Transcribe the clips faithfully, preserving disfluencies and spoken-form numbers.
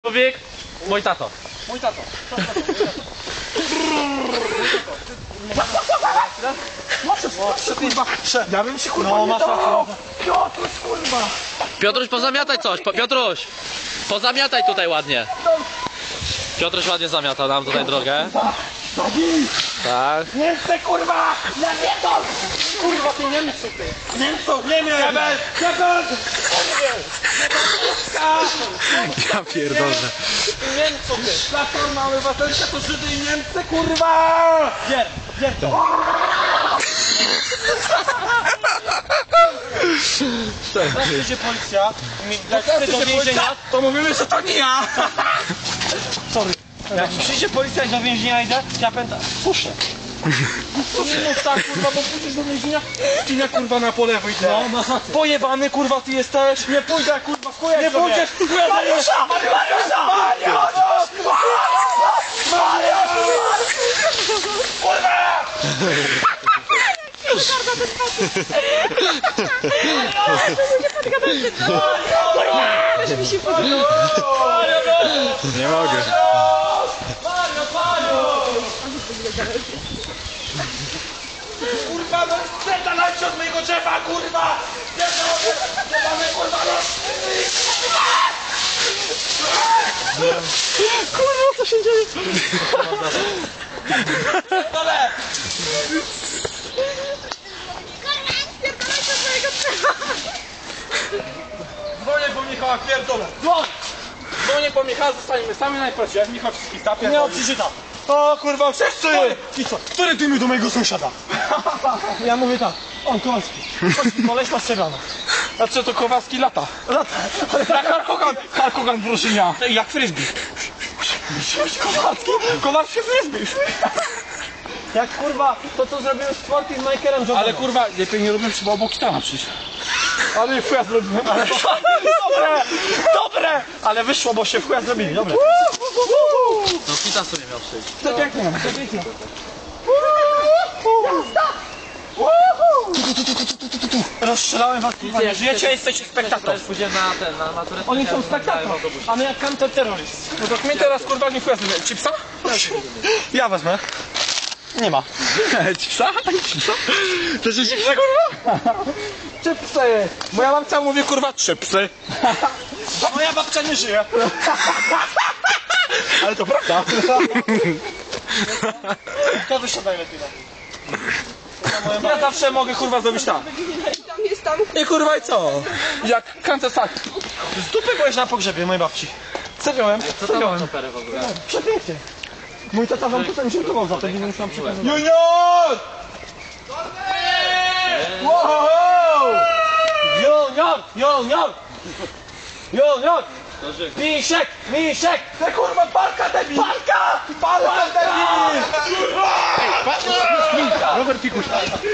Człowiek, mój tato. Mój tato. Ja bym się kurwa no, nie dał! Piotruś kurwa! Piotruś, pozamiataj coś, po, Piotruś! Pozamiataj tutaj ładnie. Piotruś ładnie zamiatał nam tutaj drogę. Tak. Nie chcę kurwa! Ja nie to! Kurwa ty Niemców ty! Niemców! Niemiec! Niemiec! Ja pierdolę. Niemców ty! Platforma Obywatelska to Żydy i Niemcy kurwa! Gier! Gier to! Jak przyjdzie policja i jak chce do więzienia, to mówimy, że to nie ja! Sorry. Jak przyjdzie policja i do więzienia idę, ja pędzę. Puszę. To nie mów tak kurwa, bo pójdziesz do więzienia i nie kurwa na po lewo idę. No, masz rację. Pojebany kurwa ty jesteś. Nie pójdę kurwa w kujek. Nie pójdziesz w kujek. Mariusza! Mariusza! Mariusz! Mariusz! Kurwa! Nie mogę. Kurwa, no zdalajcie od mojego drzewa, kurwa! Nie mamy kurwa, no! Kurwa, co się dzieje? Dole! Dzwonię po Michała, pierdolę! Dzwoń! Dzwonię po Michała, zostaniemy sami najprościej, jak Michał wszystkich tapie. Nie odczyta. O kurwa, wszyscy! I co? Który ty mi do mojego sąsiada? Ja mówię tak, on Kowalski. Koleś ma strzelano. Znaczy to Kowalski lata. Lata. Jak Harkogan. Harkogan Bruszynia. Jak frisbee. Kowalski? Kowalski frisbee. Jak kurwa, to co zrobiłem z czwartym z Michaelem Jordanem. Ale kurwa, lepiej nie robiłem, trzeba obok Kitana przyjść. Ale w chuja zrobiłem. Ale... Dobre! Dobre! Ale wyszło, bo się w chuja zrobili, dobre. No Kita sobie miał przyjść. To pięknie, to pięknie. Rozstrzelałem was, nie żyjecie, jesteście spektator. Pójdziemy na ten, na maturę. Oni są spektator, a my jak counterterroryst. No to my teraz kurwa nie chuja zrobimy. Chipsa? Ja wezmę. Nie ma. Chipsa? Chipsa? To jest chipsa kurwa? Chipsy! Moja babcia mówi kurwa chipsy. A moja babcia nie żyje. Ale to prawda. To wysiadaj lepiej. Ja zawsze mogę kurwa zrobić tak. I kurwa i co? Jak kancer tak. Z dupy byłeś na pogrzebie mojej babci. Co miałem? Co tam masz operę w ogóle? Przepięknie. Mój tata wam tutaj dziękował za to, nie musiałam przekazać. Junior! Wow! Junior! Junior! Junior! Misiek! Misiek! Te kurwa parka debil! Parka! Parka debil! Robert Pikuś.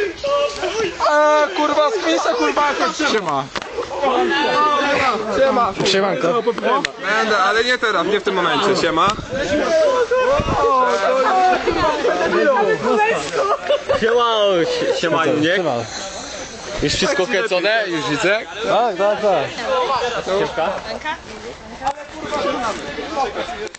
A kurwa z Misa kurwa Siema. Siema! Siemanko. Będę, ale nie teraz, nie w tym momencie. Siema. Siema, siema, nie? Już wszystko kręcone? Już widzę? Tak, tak, tak. Siemka.